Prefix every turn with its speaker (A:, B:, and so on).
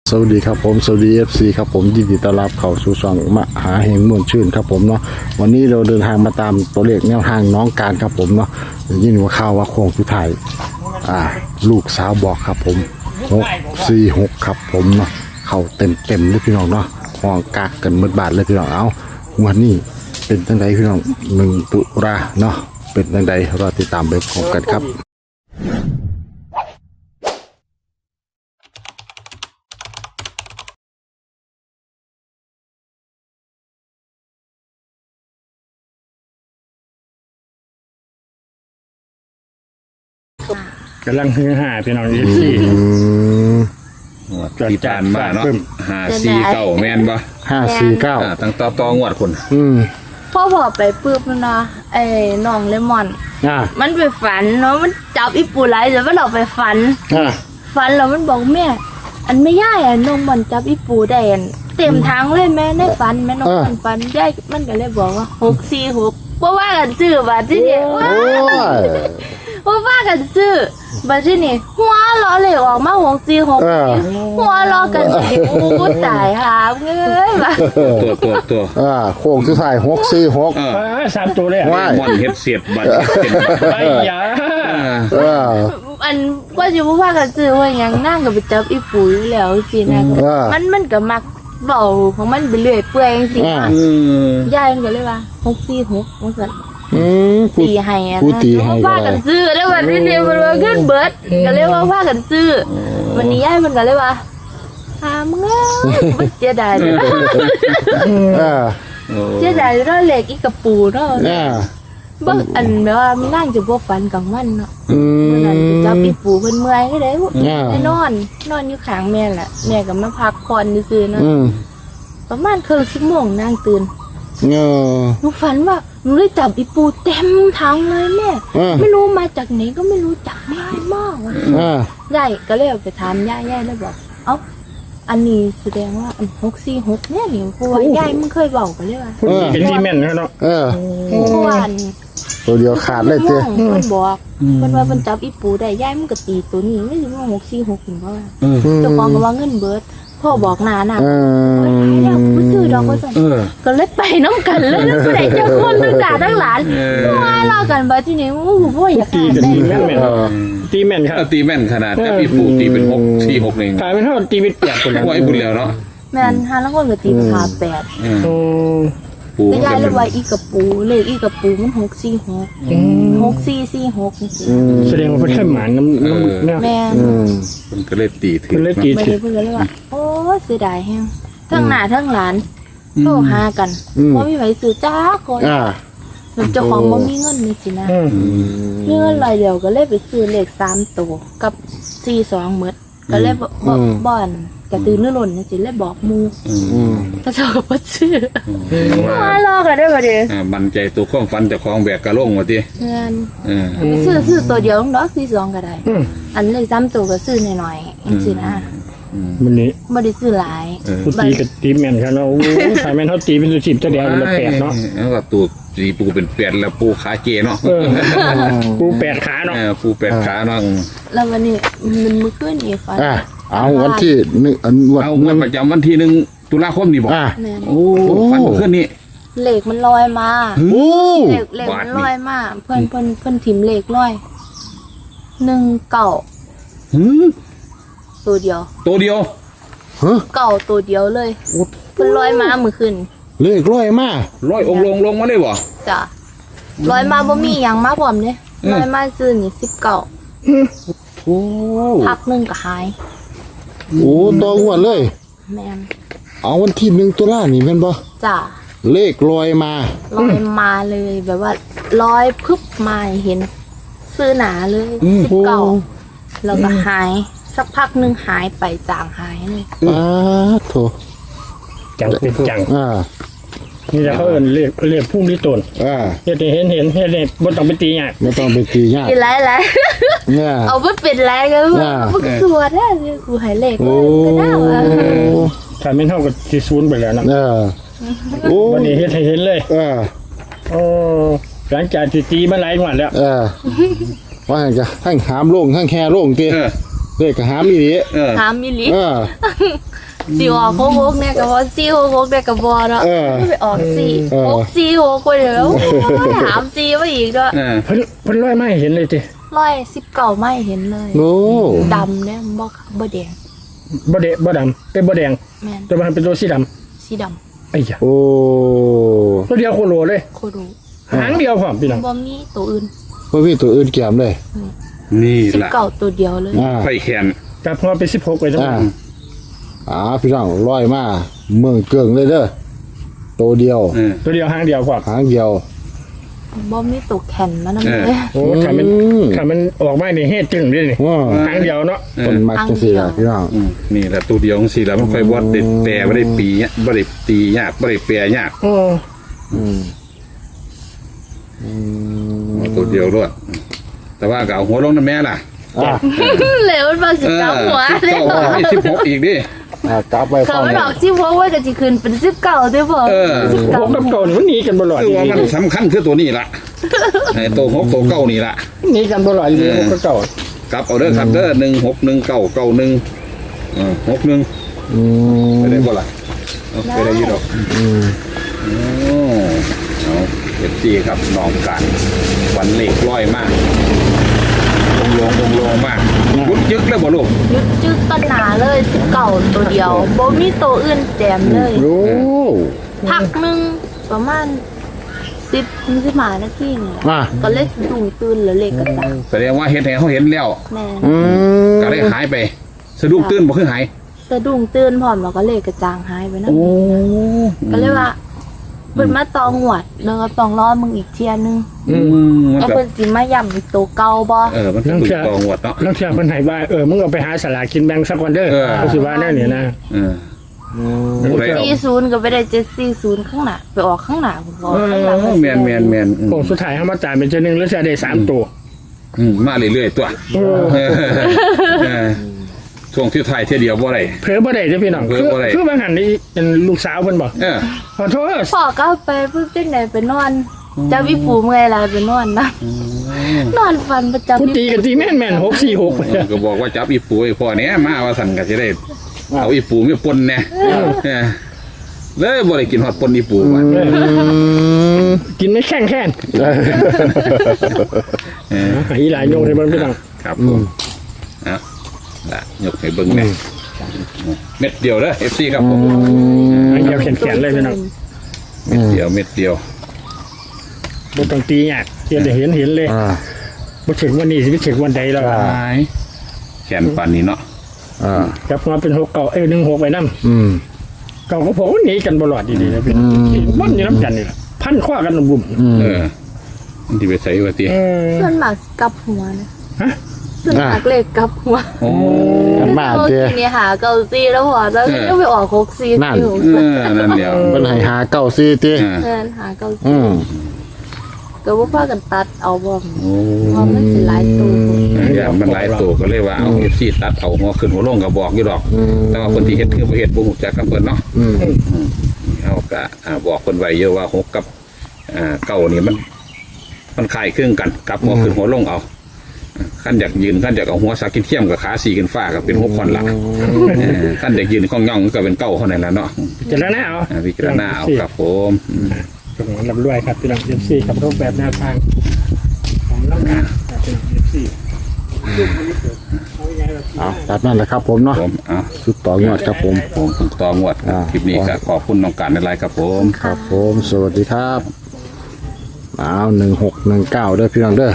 A: สวัสดีครับผมสวัสดี FC ครับผมยินดีต้อนรับเข้าสู่ช่องมหาเฮงม่วนชื่นครับผมเนาะวันนี้เราเดินทางมาตามตัวเลขแนวทางน้องการครับผมเนาะยินว่าข่าวว่าโค้งสุดท้ายลูกสาวบอกครับผม646ครับผมเนาะเข้าเต็มเลยพี่น้องเนาะห้องกากกันหมดบาทเลยพี่น้องเอาวันนี้เป็นจังไดพี่น้อง1 ตุลาเนาะเป็นจังไดรอติดตามไปพร้อมกันครับ
B: กำลังฮือฮาพี่น้องอีซี่
C: ที่ผ่านมาเนาะ549แม่นบ่
A: 549
C: ตั้งต่องวดคน
D: พ่อไปปื๊บมันนะไอ้น้องเลมอนมันไปฝันเนาะมันจับอีปูไหลแต่ว่าเราไปฝันแล้วมันบอกแม่อันไม่ย่ายน้องมันจับอีปูได้เต็มทางเลยแม่ในฝันแม่น้องมันฝันย่ายมันก็เลยบอกว่า646เพราะว่ากันซื้อบัดที่นี่เพราะว่ากันซื้อบัดที่นี่หัวล้อเลยออกมา646หัวล้อกันกูตายหาเงยว่ะ
C: ตัว
A: โค้งสุดท้าย646
B: 3 ตัวเลย
C: ม่อนเฮ็ดเสียบบัดเป็น
B: ไอ้ยา
D: อันว่าจะว่ากันซื้อว่ายังนั่งกับไปจับอีปูอยู่แล้วสินะมันก็มักเบาของมันไปเรื่อยเปื่อยสิยายมันก็เลยว่า646มันสั่นตีให้ว่ากันซื้อแล้ววันนี้เนี่ยมันว่าขึ้นเบิร์ดก็เลยว่ากันซื้อวันนี้ยายมันก็เลยว่ามึงมันเจ๊ได้เลยเจ๊ได้แล้วเหล็กอีกระปูเนาะบางอันแบบว่ามันนั่งจะพวกฝันกลางวันเนาะมันนั่นจะปีปูเพิ่นเมื่อยก็ได้นอนอยู่ข้างแม่แหละแม่ก็มาพักผ่อนซื่อๆเนาะประมาณครึ่งชั่วโมงนั่งตื่นหนูฝันว่าหนูได้จับอีปูเต็มทั้งเลยแม่ไม่รู้มาจากไหนก็ไม่รู้จับง่ายมากยายก็เลยไปถามยายแล้วบอกอันนี้แสดงว่า646เนี่ยนี่เพราะว่ายายมันเคยบอกกันเลยว่า
B: เป็นที่แม่นเนาะ
D: เพราะว่า
A: ตัวเดียวขาดเลยเจ้
D: มันบอกมันว่ามันจับอีปูได้ยายมันก็ตีตัวนี้ไม่ใช่ว่า646ถึงเพราะว่าเจ้าของก็ว่าเงินเบิดพ่อบอกนาน่ะผู้ซื้อดอกก็สั่นก็เลยไปน้ำกันเลยแล้วไปไหนเจ้าคนทั้งด่าทั้งหลานว่าเล่ากันไปที่นี่พ่ออยาก
B: ตีแม่นตีแม่นครับ
C: ตีแม่นขนาดแต่พี่ปูตีเป็น646เอง
B: ขายเป็นเท่าตีเป็น8คนแล้ว
C: ไว้บุญแล้วเนาะ
D: แม่น5แล้วคนก็ตีเป็น8แต่ยายเลยว่าอีกระปูเลยอีกระปูมัน646
B: แสดงว่าเพิ่นเคยหมานน้ำ
D: แม่
C: มันก็เลยตีถึง
D: ไม่ได้เพิ่นเลยว่าโอ้เสียดายแฮงทั้งหน้าทั้งหลานโทรหากันบ่มีไผซื้อจ้าคนเจ้าของบ่มีเงินนี่สินะมีเงินรายเดียวก็เลยไปซื้อเลข3ตัวกับ42หมดก็เลยบ่อนกระตือรือร้นนี่สิเลยบอกหมู่ถ้าเจ้าก็บ่ซื้อมารอกันได้บ่ดิ
C: มั่นใจตัวความฝันเจ้าของแบกกะลงว่าติ
D: ซื้อตัวเดียวดอก42ก็ได้อันเลข3ตัวก็ซื้อน้อยๆจังซี่นะ
B: มันนี้
D: บ่ได้ซื้อหลาย
B: ผู้ตีกับตีแม่นครับเนาะขายแม่นเฮาตีเป็น10ตัวเดียวละ8เนาะ
C: แล้วก็ตัวตีปูเป็น8แล้วปูขาเจเนาะ
B: ปู8ขาเนาะ
C: ปู8ขาเนาะ
D: แล้ววันนี้มันมื้อคืนนี่ฝัน
A: เอาวันที่
C: วันประจำวันที่1 ตุลาคมนี่บ่โอ้ฝันคืนนี้
D: เลขมันลอยมาเลขมันลอยมาเพิ่นถิ่มเลขลอย19ตัวเดียวเก่าตัวเดียวเลยมันลอยมาเมื่อคืน
A: เลขลอยมา
C: ลอยองลงมาได้บ่
D: จ้ะลอยมาบ่มีหยังมาพร้อมเด้ลอยมาซื่อนี่19พักนึงก็หาย
A: ตัวงวดเลย
D: แม่น
A: เอาวันที่1 ตุลานี่แม่นบ่
D: จ้ะ
A: เลขลอยมา
D: เลยแบบว่าลอยพึบมาเห็นซื่อหนาเลย19แล้วก็หายสักพักนึงหายไปจางหายเลย
A: โถ
B: จังเป็นจังนี่จะเขาเอิ้นเรียกพุ่งที่ต้นเฮ็ดเห็นบ่ต้องไปตียาก
A: ไม่ต้องไปตียาก
D: หลายเอาบ่เป็นไรก็บ่สวดเนี่ยกูให้เลขก็ได้ว่า
B: ถ้าแม่นเฮาก็สิศูนย์ไปแล้วนะวันนี้เฮ็ดให้เห็นเลยหลังจากที่ตีมาหลายงวดแล้ว
A: ว่าจะทั้งหามโล่งทั้งแค่โล่งติเลขก็หามอีหลี
D: หามอีหลีสิออก6เนี่ยก็บ่466เนี่ยก็บ่เนาะไปออก4 6 4 6ไปแล้วถาม4มาอีกด้วย
B: เพิ่นร้อยไม่เห็นเลยติ
D: 119ไม่เห็นเลย
A: โอ้
D: ดำเนี่ยบ่แดง
B: บ่ดำบ่แดง
D: แม่น
B: แต่มันเป็นตัวสีดำ
D: สีดำ
B: ไอ้ยะ
A: โอ้
B: ตัวเดียวโคโลเลย
D: โคดู
B: หางเดียวพร้อมพี่น้อง
D: บ่มีตัวอื่น
A: บ่มีตัวอื่นแก้มเลย
C: นี่แหละ
D: 19ตัวเดียวเลย
C: ไฟแขน
B: จับหัวไป16ไปทั้งหมด
A: พี่น้องร้อยมาเมืองเกิงเลยเด้อตัวเดียว
B: ตัวเดียวหางเดียวพร้อม
A: หางเดียว
D: บ่มีตัวแข็งมานำเลย
B: โอ้ถ้ามันออกมานี่เฮ็ดจึงเลยนี่
A: ว้า
B: หางเดียวเนาะ
A: ต้นมักจังซี่ล่ะพี่น้อง
C: นี่แหละตัวเดียวของสีแล้วมันค่อยบดเด็ดแต่ไม่ได้ปีเนี่ยไม่ได้ตียากไม่ได้แปรยาก
B: โอ้
C: ตัวเดียวรวดแต่ว่าก็เอาหัวลงนั่นแม่ล่ะ
D: เหลวมันบ่สิกลับหัว
C: สิบเก้าไม่16อีกดิ
A: กลับไป
D: เขา
A: ฟัง
D: ไม่บอก16ว่าก็สิขึ้นเป็น19ได้บ่
B: พวกกับเก่านี่มันหนีกันบ่รอด
C: คือว่ามันสำคัญคือตัวนี้ล่ะไอ้ตัว6ตัว9นี่ล่ะ
B: หนีกันบ่รอดอยู่พวกกับเก่าก
C: ลับเอาเด้อครับเด้อ16199161ไปได้บ่ล่ะไปได้อยี่ดอกเอาเอฟซีครับน้องกันวันเล็กร้อยมากลงมากยุดยึกแล้วบ่ลูก
D: ยึดจึกต้นหนาเลย19ตัวเดียวบ่มีตัวอื่นแจมเลย
A: โอ้
D: พักหนึงประมาณ10-15นาทีนี่ ก็เลยสะดุ้งตื่นแล้วเลขกระจาย
C: แสดงว่าเห็นเขาเห็นแล้ว
D: แม่
C: ก็เลยหายไปสะดุ้งตื่นบ่คือหาย
D: สะดุ้งตื่นพร้อมแล้วก็เลขกระจางหายไปนำก็เลยว่าเพิ่นมาตองหวดแล้วก็ต้องรอมึงอีกเที่ยนึง
C: มัน
D: แล้ว
C: แบบ
D: เพิ่นสิมาย่ำอีกตัวเก่าบ่
C: มันเป็นตัวตองหวดเนาะ
B: แล้วเชื่อเพิ่นให้ว่ามึงเอาไปหาสลากกินแบ่งสักวันเด้อก็สิว่าแน่นี่นะ
D: 40ก็ไปได้740ข้างหน้าไปออกข้างหน้าพุ่นบ่ข้างหลัง
C: แมน
B: โอ้สุดท้ายเฮามาจ่ายเป็นจังนึงแล้วจะได้3ตัว
C: มาเรื่อยๆตัวช่วงที่ถ่ายเที่ยวเดียวบ่ได้
B: เผลอบ่ได้จ้ะพี่น้องคือบางหันนี่เป็นลูกสาวเพิ่นบ่ขอโทษ
D: พ่อก็ไปปุ๊บจังได๋ไปนอนเจ้าอีปู่เมื่อยแล้วไปนอนนะนอนฝันประจำ
B: กูตีกันตีแม่น646
C: ก็บอกว่าจับอีปูไอ้พ่อเนี้ยมาว่าสั่นก็จะได้เอาอีปูไม่ปนแน่เลยบ่ได้กินฮอดปนอีปูมา
B: กินไม่แข็งอีหลายโยงให้เบิ่งพี่น้อง
C: ครับผมละยกให้เบิ่งแน่เม็ดเดียวเด้อ FC ครับผม
B: อันเดียวแขนเลยพี่น้อง
C: เม็ดเดียว
B: บ่ต้องตียากเห็นเลยบ่ถึงวันนี้สิไปถึงวันใดแล้ว
C: แขนปานนี้เนาะ
B: ครับมาเป็น6เก่า16ไปนำเก่าก็พอหนีกันบ่รอดดีๆนะพี่มันอยู่นำกันนี่ล่ะพันข้อกันบุ่ม
C: มันสิไปใส่ว่าติ
D: ส่วนมากกลับหัวนะส่วนมากเลขกลับหัว
C: โอ้
A: กันมาเด้อ
D: นี่หาเก่าซีแล้วหัวแล้วก็ไปออก64
C: นั่นเดียว
A: เพิ่นให้หาเก้าซี่ติ
D: แม่นหาเก่าซีก็บ่พากันตัดเอาบ่เพราะมันสิหลายตัว
C: มันหลายตัวก็เลยว่าเอา FC ตัดเอาหัวขึ้นหัวลงก็บอกอยู่ดอกแต่ว่าคนที่เฮ็ดคือบ่เฮ็ดบ่ฮู้จักกับเพิ่นเนาะเอาก็บอกคนไว้เยอะว่า6กับเก้านี่มันคล้ายคลึงกันกับหัวขึ้นหัวลงเอาขั้นอยากยืนขั้นอยากเอาหัวสักกินเทียมกับขาสีกันฟ้ากับเป็น6คนละขั้นอยากยืนข้องย่องก็เป็นเก้าเท่านั้นแหละเนาะ
B: จะแล้วนะเอา
C: พิจารณาเอาครับผม
B: ตรงนั้นลำด้วยครับพี่น้อง FC กับรูปแบบแนวทางของน้องการเป็น FC
A: ตัดนั่นแหละครับผมเนาะ
C: ผม
A: ชุดต่องวดครับผม
C: ต่องวดคลิปนี้ก็ขอบคุณน้องการในไลน์ครับผม
A: ครับผมสวัสดีครับ1619เด้อพี่น้องเด้อ